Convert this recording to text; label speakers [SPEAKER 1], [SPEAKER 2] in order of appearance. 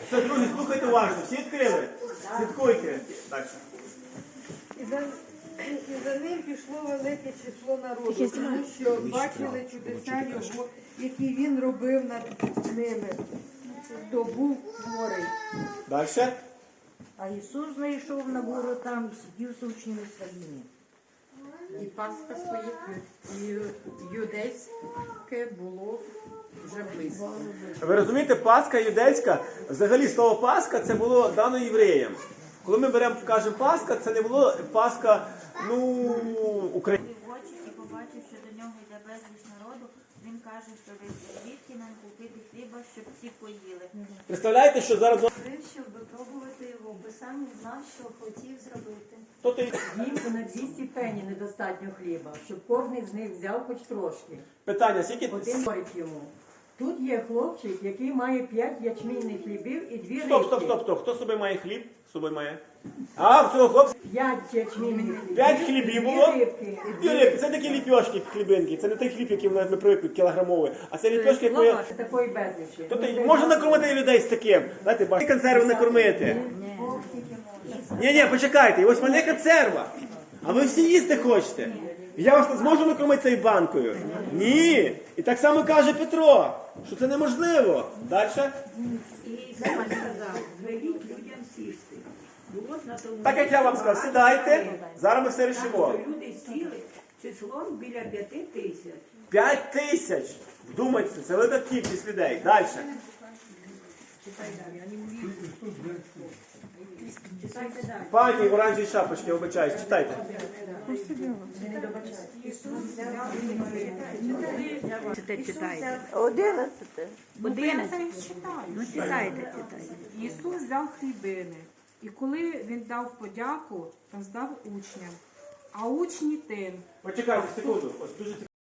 [SPEAKER 1] Все, друзі, слухайте уважно. Всі відкрили? Слідкуйте. Так.
[SPEAKER 2] І за ним пішло велике число народу, тому що бачили чудеса його, які він робив над ними. Здобув море.
[SPEAKER 1] Далі.
[SPEAKER 3] А Ісус знайшов на гору там і сидів з учнями своїми.
[SPEAKER 2] І Пасха своє, і юдейське було вже близько.
[SPEAKER 1] Ви розумієте, Пасха юдейська, взагалі слово Пасха це було дано євреям. Коли ми кажемо Пасха, це не було Пасха, українська.
[SPEAKER 4] В очі і побачив, що до нього йде безліч народу, він каже, що звідки нам купити хліба, щоб всі поїли.
[SPEAKER 1] Представляєте, що зараз...
[SPEAKER 5] Щоб випробувати його, бо сам не знав, що хотів зробити.
[SPEAKER 6] Їм на 200 пені недостатньо хліба, щоб кожен з них взяв хоч трошки.
[SPEAKER 1] Питання, скільки...
[SPEAKER 6] Один говорить йому. Тут є хлопчик, який має 5 ячмінних хлібів і 2 рибки.
[SPEAKER 1] Стоп. Хто з собою має хліб? З собою має? А, в цього хлопця
[SPEAKER 6] 5 ячмінних хлібів.
[SPEAKER 1] 5 хлібів
[SPEAKER 6] і
[SPEAKER 1] було?
[SPEAKER 6] 2 рибки.
[SPEAKER 1] Це такі ліпьошки хлібинки. Це не той хліб, який ми привикли, кілограмовий. А це ліпьошки, які...
[SPEAKER 6] Лаваш такої безлічі.
[SPEAKER 1] Тобто можна накормити людей з таким. Знаєте, консерви накормити. Ні, почекайте, ось в мене консерва. А ви всі їсти хочете. Я вас зможу накормити цією банкою? Ні. І так само каже Петро, що це неможливо. Далі.
[SPEAKER 7] І саме сказав, звеліть людям сісти. Було ж на тому
[SPEAKER 1] Так як я вам сказав, сідайте, зараз ми все рішимо.
[SPEAKER 7] що люди сіли числом біля 5 тисяч.
[SPEAKER 1] 5 тисяч. Вдумайтеся, це велика кількість людей. Далі.
[SPEAKER 7] Читайте далі.
[SPEAKER 1] Пані в оранжевій шапочці, вибачаюсь, читайте.
[SPEAKER 3] Читайте.
[SPEAKER 2] 11.
[SPEAKER 4] Ну, читайте.
[SPEAKER 8] Ісус взяв хлібини, і коли він дав подяку, роздав учням. А учні тим,
[SPEAKER 1] Почекайте секунду. Ось дуже